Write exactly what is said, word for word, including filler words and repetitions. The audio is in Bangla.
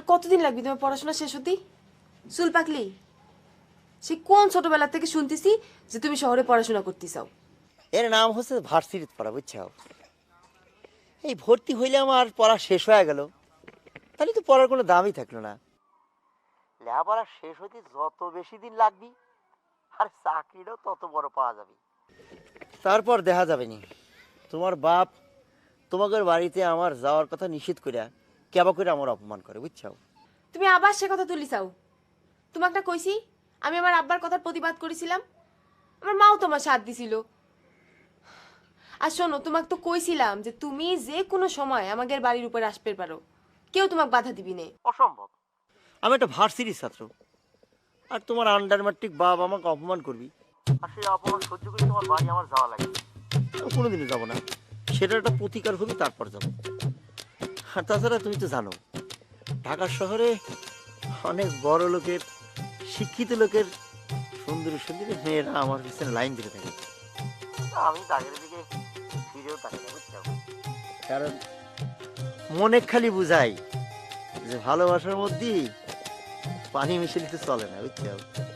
কতদিন লাগবে তোমার পড়াশোনা শেষ হতেই? চুল পাকলি? সে কোন ছোটবেলা থেকে শুনতেছি যে তুমি শহরে পড়াশোনা করতে চাও? এর নাম হচ্ছে ভার্সিটিত পড়া, বুঝছো? এই ভর্তি হইলে আমার পড়া শেষ হয়ে গেল, তাহলে তো পড়ার কোনো দামই থাকলো না। লেখাপড়া শেষ হইতে যত বেশি দিন লাগবি আর চাকরিটাও তত বড় পাওয়া যাবে। তারপর দেখা যাবে নি। তোমার বাপ তোমাদের বাড়িতে আমার যাওয়ার কথা নিষেধ করিয়া কেবা করে আমার অপমান করে, বুঝছো? তুমি আবার সে কথা তুলি চাও? তোমাকে না কইছি আমি আমার আব্বার কথার প্রতিবাদ করেছিলাম, আমার মাও তোমার সাথ দিছিল। আর শোনো, তোমাকে তো কইছিলাম যে তুমি যে কোনো সময় আমাদের বাড়ির উপর আসতে পারো, কেউ তোমাকে বাধা দিবি না। অসম্ভব, আমি একটা ভার্সিটির ছাত্র, আর তোমার আন্ডার ম্যাট্রিক বাপ আমাকে অপমান করবি, আর সেই অপমান সহ্য করে তোমার বাড়ি আমার যাওয়া লাগে? কোনোদিনও যাবো না, সেটা একটা প্রতিকার হবে, তারপর যাবো। আর তাছাড়া তুমি তো জানো ঢাকা শহরে অনেক বড় লোকের, শিক্ষিত লোকের সুন্দরী সুন্দরী মেয়েরা আমার পিছনে লাইন দিতে থাকে। আমি তাদের দিকে ফিরেও তাকাই না, বুঝছো? কারণ মনে খালি বুঝাই যে ভালোবাসার মধ্যে পানি মিশে দিতে চলে না, বুঝছো?